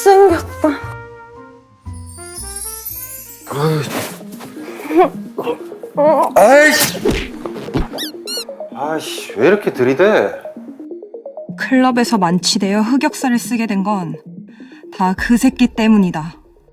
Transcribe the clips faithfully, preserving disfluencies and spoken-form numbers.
잘생겼다. 아이씨. 아이씨, 왜 이렇게 들이대? 클럽에서 만취되어 흑역사를 쓰게 된 건 다 그 새끼 때문이다.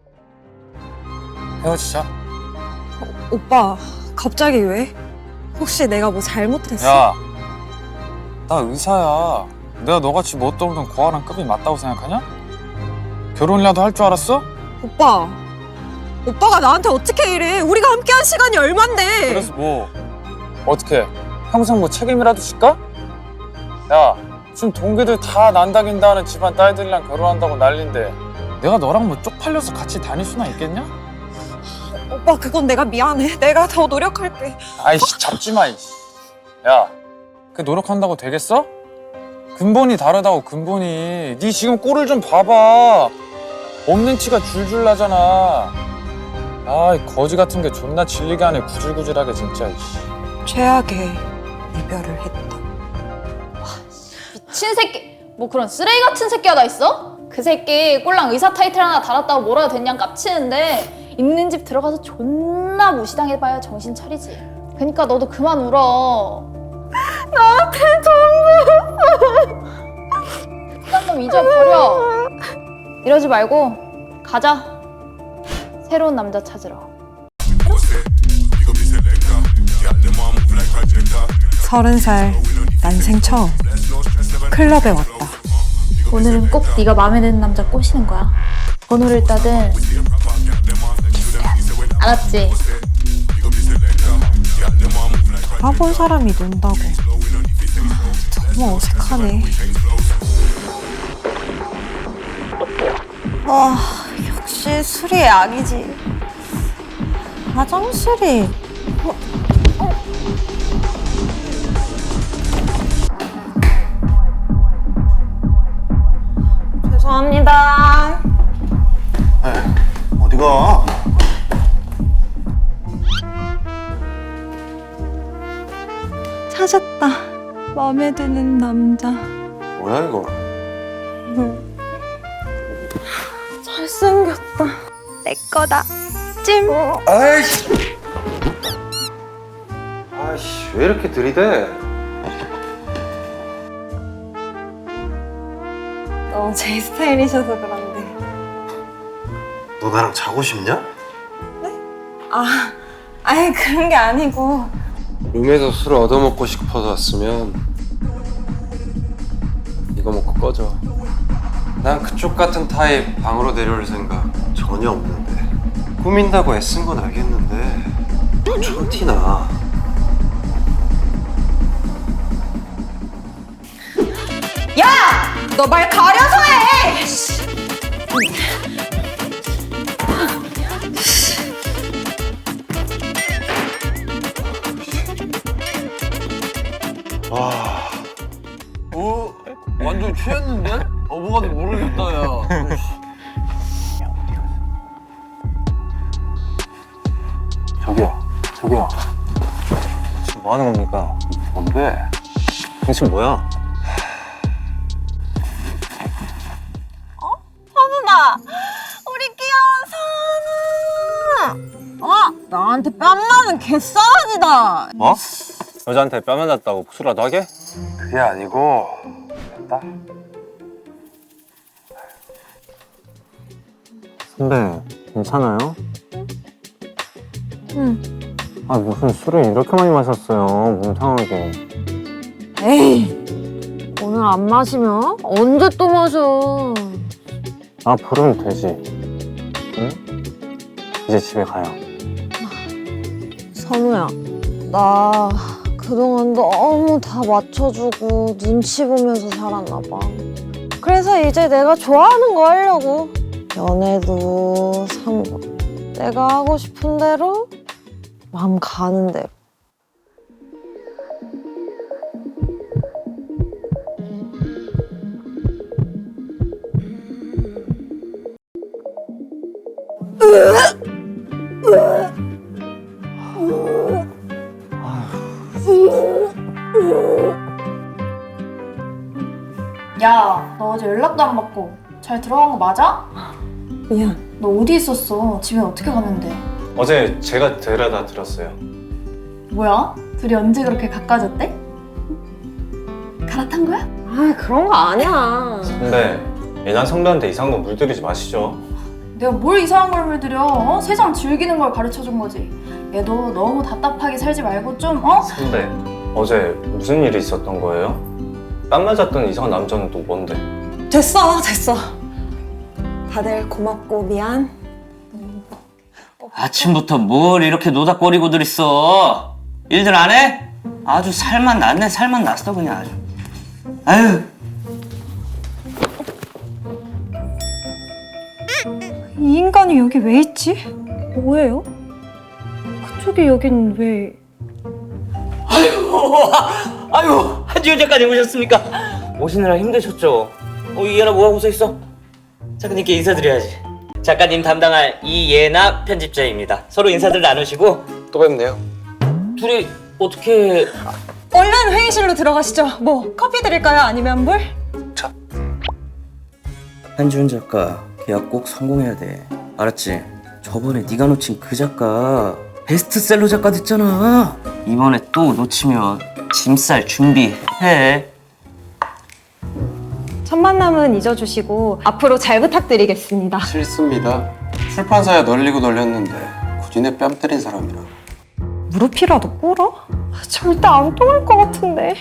헤어지자. 오빠, 갑자기 왜? 혹시 내가 뭐 잘못했어? 야, 나 의사야. 내가 너같이 뭣도 없는 고아랑 급이 맞다고 생각하냐? 결혼이라도 할 줄 알았어? 오빠, 오빠가 나한테 어떻게 이래? 우리가 함께한 시간이 얼만데? 그래서 뭐 어떻게 평생 뭐 책임이라도 질까? 야, 지금 동기들 다 난다긴다 하는 집안 딸들이랑 결혼한다고 난린데 내가 너랑 뭐 쪽팔려서 같이 다닐 수나 있겠냐? 오빠, 그건 내가 미안해. 내가 더 노력할게. 아이씨, 잡지 마. 이씨. 야, 그 노력한다고 되겠어? 근본이 다르다고. 근본이. 네 지금 꼴을 좀 봐봐. 없는 티가 줄줄 나잖아. 아이 거지 같은 게 존나 질리게 하네. 구질구질하게 진짜. 이씨. 최악의 이별을 했다. 미친 새끼! 뭐 그런 쓰레기 같은 새끼가 다 있어? 그 새끼 꼴랑 의사 타이틀 하나 달았다고 뭐라 됐냐 깝치는데 있는 집 들어가서 존나 무시당해봐야 정신 차리지. 그니까 너도 그만 울어. 나한테 전부. 그딴 놈 잊어버려. 이러지 말고 가자. 새로운 남자 찾으러. 서른 살 난생 처음 클럽에 왔다. 오늘은 꼭 네가 마음에 드는 남자 꼬시는 거야. 번호를 따든 알았지? 알아본 사람이 논다고. 너무 어색하네. 아, 역시 술이 약이지. 화장실이... 죄송합니다. 어디가? 찾았다. 마음에 드는 남자. 뭐야 이거? 잘생겼다. 내 거다. 찜. 아이씨. 아이씨, 왜 이렇게 들이대? 너 제 스타일이셔서 그런데. 너 나랑 자고 싶냐? 아, 아예 그런 게 아니고. 룸에서 술을 얻어먹고 싶어서 왔으면 이거 먹고 꺼져. 난 그쪽 같은 타입 방으로 내려올 생각 전혀 없는데. 꾸민다고 애쓴 건 알겠는데 너 촌티나. 너 말 가려서 해! 와. 어? 완전 취했는데? 어, 뭐가 모르겠다, 야. 저기요, 저기요. 지금 뭐 하는 겁니까? 뭔데? 당신 뭐야? 선우나! 우리 귀여운 선우! 어? 나한테 뺨 맞은 개싸가지다! 뭐? 여자한테 뺨 맞았다고 복수라도 하게? 그게 아니고 됐다. 선배, 괜찮아요? 응. 아, 무슨 술을 이렇게 많이 마셨어요, 몸 상하게. 에이, 오늘 안 마시면 언제 또 마셔? 아, 부르면 되지. 응? 이제 집에 가요. 선우야, 나 그동안 너무 다 맞춰주고 눈치 보면서 살았나 봐. 그래서 이제 내가 좋아하는 거 하려고. 연애도 삼고 내가 하고 싶은 대로 마음 가는 대로. 야, 너 어제 연락도 안 받고 잘 들어간 거 맞아? 미안. 너 어디 있었어? 집에 어떻게 갔는데? 어제 제가 데려다 드렸어요. 뭐야? 둘이 언제 그렇게 가까워졌대? 갈아탄 거야? 아 그런 거 아니야. 근데 예난 선배한테 이상한 거 물들이지 마시죠. 내가 뭘 이상한 걸 물들여? 어? 세상 즐기는 걸 가르쳐준 거지. 얘도 너무 답답하게 살지 말고 좀 어? 선배, 어제 무슨 일이 있었던 거예요? 땀 맞았던 이상한 남자는 또 뭔데? 됐어 됐어. 다들 고맙고 미안. 아침부터 뭘 이렇게 노닥거리고들 있어? 일들 안 해? 아주 살만 났네, 살만 났어 그냥 아주. 아유. 이 인간이 여기 왜 있지? 뭐예요? 그쪽이 여긴 왜... 아유, 아유, 한지훈 작가님 오셨습니까? 오시느라 힘드셨죠? 어, 이예나 뭐하고 서 있어? 작가님께 인사드려야지. 작가님 담당할 이예나 편집자입니다. 서로 인사들 나누시고. 또 뵙네요. 둘이 어떻게... 얼른 회의실로 들어가시죠. 뭐 커피 드릴까요? 아니면 물? 한지훈 작가 계약 꼭 성공해야 돼. 알았지? 저번에 네가 놓친 그 작가 베스트셀러 작가 됐잖아. 이번에 또 놓치면 짐 쌀 준비해. 첫 만남은 잊어주시고 앞으로 잘 부탁드리겠습니다. 싫습니다. 출판사에 널리고 널렸는데 굳이 내 뺨 때린 사람이라. 무릎이라도 꿇어? 절대 안 통할 것 같은데.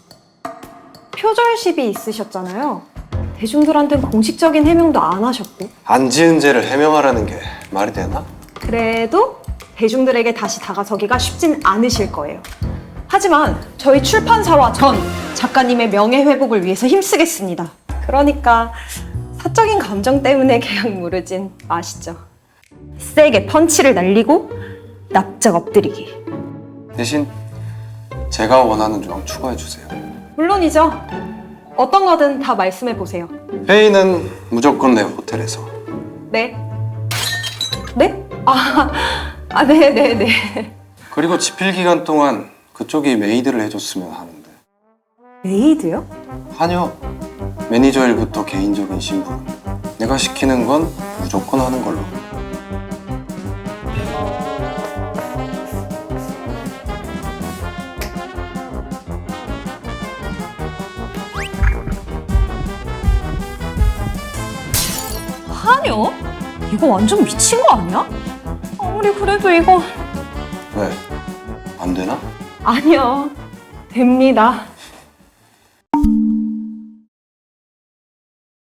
표절십이 있으셨잖아요. 대중들한테는 공식적인 해명도 안 하셨고. 안 지은 죄를 해명하라는 게 말이 되나? 그래도 대중들에게 다시 다가서기가 쉽진 않으실 거예요. 하지만 저희 출판사와 전 작가님의 명예 회복을 위해서 힘쓰겠습니다. 그러니까 사적인 감정 때문에 계약 무르진 마시죠. 세게 펀치를 날리고 납작 엎드리기. 대신 제가 원하는 조항 추가해 주세요. 물론이죠. 어떤 거든 다 말씀해 보세요. 회의는 무조건 내 호텔에서. 네? 네? 아, 아, 네, 네, 네. 그리고 집필 기간 동안 그쪽이 메이드를 해줬으면 하는데. 메이드요? 아니요. 매니저 일부터 개인적인 신분. 내가 시키는 건 무조건 하는 걸로. 아니요. 이거 완전 미친 거 아니야? 아무리 그래도 이거... 왜? 안 되나? 아니요. 됩니다.